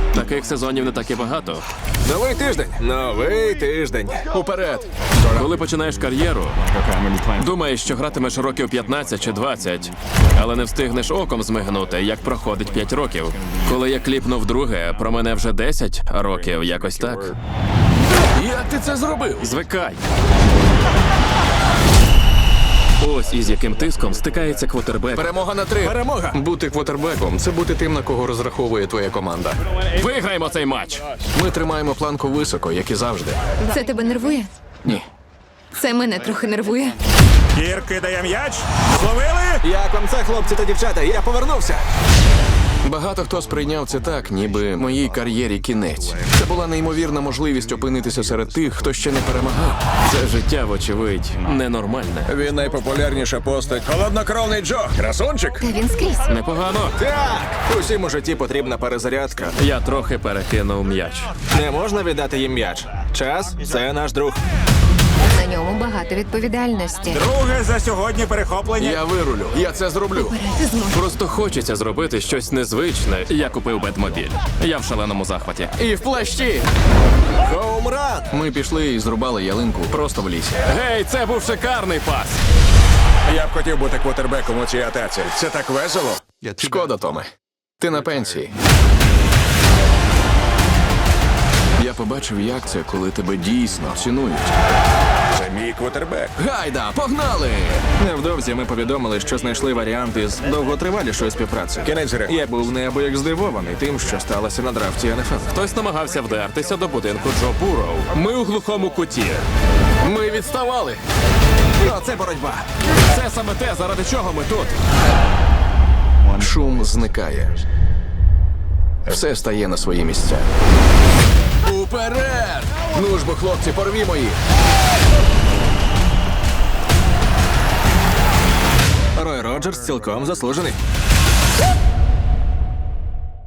Таких сезонів не так і багато. Новий тиждень. Новий тиждень. Уперед! Коли починаєш кар'єру, думаєш, що гратимеш років 15 чи 20, але не встигнеш оком змигнути, як проходить 5 років. Коли я кліпнув друге, про мене вже 10 років, якось так. Як ти це зробив? Звикай. Ось із яким тиском стикається квотербек. Перемога на 3. Перемога. Бути квотербеком – це бути тим, на кого розраховує твоя команда. Виграємо цей матч! Ми тримаємо планку високо, як і завжди. Це тебе нервує? Ні. Це мене трохи нервує. Кір кидає м'яч. Зловили? Як вам це, хлопці та дівчата? Я повернувся. Багато хто сприйняв це так, ніби моїй кар'єрі кінець. Це була неймовірна можливість опинитися серед тих, хто ще не перемагав. Це життя, вочевидь, ненормальне. Він найпопулярніша постать. Холоднокровний Джо. Красунчик. Та він скрізь. Непогано. Так. Усім у житті потрібна перезарядка. Я трохи перекинув м'яч. Не можна віддати їм м'яч. Час – це наш друг. На ньому багато відповідальності. Друге за сьогодні перехоплення. Я вирулю, я це зроблю. Ти зможеш. Просто хочеться зробити щось незвичне. Я купив Бетмобіль. Я в шаленому захваті. І в плащі! Хоумран. Ми пішли і зрубали ялинку просто в лісі. Гей, це був шикарний пас! Я б хотів бути квотербеком у цій атаці. Це так весело. Шкода, Томе. Ти на пенсії. Я побачив, як це, коли тебе дійсно цінують. Це мій квотербек. Гайда, погнали! Невдовзі ми повідомили, що знайшли варіанти з довготривалішої співпраці. Кінець гри. Я був неабияк здивований тим, що сталося на драфті НФЛ. Хтось намагався вдертися до будинку Джо Бурроу. Ми у глухому куті. Ми відставали! Оце боротьба. Це саме те, заради чого ми тут. Шум зникає. Все стає на свої місця. Уперед! Ну ж бо, хлопці, порвімо їх! Рой Роджерс цілком заслужений.